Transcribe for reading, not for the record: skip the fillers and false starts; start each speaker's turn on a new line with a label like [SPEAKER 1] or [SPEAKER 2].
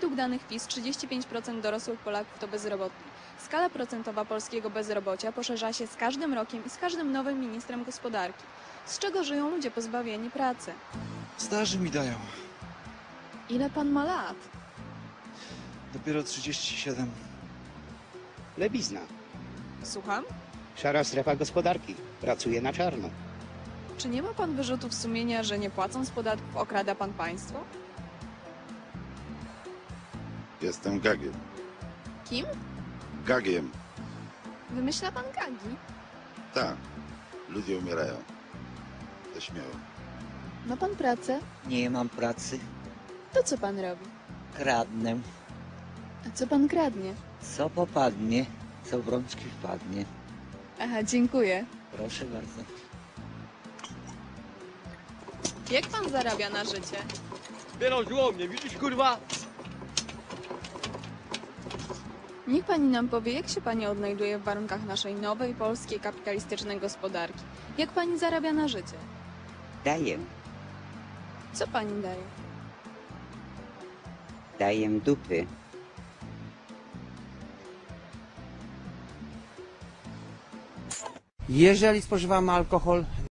[SPEAKER 1] Według danych PiS 35% dorosłych Polaków to bezrobotni. Skala procentowa polskiego bezrobocia poszerza się z każdym rokiem i z każdym nowym ministrem gospodarki. Z czego żyją ludzie pozbawieni pracy?
[SPEAKER 2] Staży mi dają.
[SPEAKER 1] Ile pan ma lat?
[SPEAKER 2] Dopiero 37.
[SPEAKER 3] Lewizna.
[SPEAKER 1] Słucham?
[SPEAKER 3] Szara strefa gospodarki. Pracuje na czarno.
[SPEAKER 1] Czy nie ma pan wyrzutów sumienia, że nie płacąc podatków okrada pan państwo?
[SPEAKER 4] Jestem Gagiem.
[SPEAKER 1] Kim?
[SPEAKER 4] Gagiem.
[SPEAKER 1] Wymyśla pan gagi?
[SPEAKER 4] Tak. Ludzie umierają. Ze śmiechu.
[SPEAKER 1] Ma pan pracę?
[SPEAKER 5] Nie mam pracy,
[SPEAKER 1] To co pan robi?
[SPEAKER 5] kradnę.
[SPEAKER 1] A co pan kradnie?
[SPEAKER 5] Co popadnie, co w rączki wpadnie.
[SPEAKER 1] Aha, dziękuję.
[SPEAKER 5] Proszę bardzo.
[SPEAKER 1] Jak pan zarabia na życie?
[SPEAKER 6] Wyrążyło mnie, widzisz kurwa?
[SPEAKER 1] Niech pani nam powie, jak się pani odnajduje w warunkach naszej nowej, polskiej, kapitalistycznej gospodarki. Jak pani zarabia na życie?
[SPEAKER 7] Daję,
[SPEAKER 1] Co pani daje?
[SPEAKER 7] daję dupy.
[SPEAKER 8] Jeżeli spożywamy alkohol,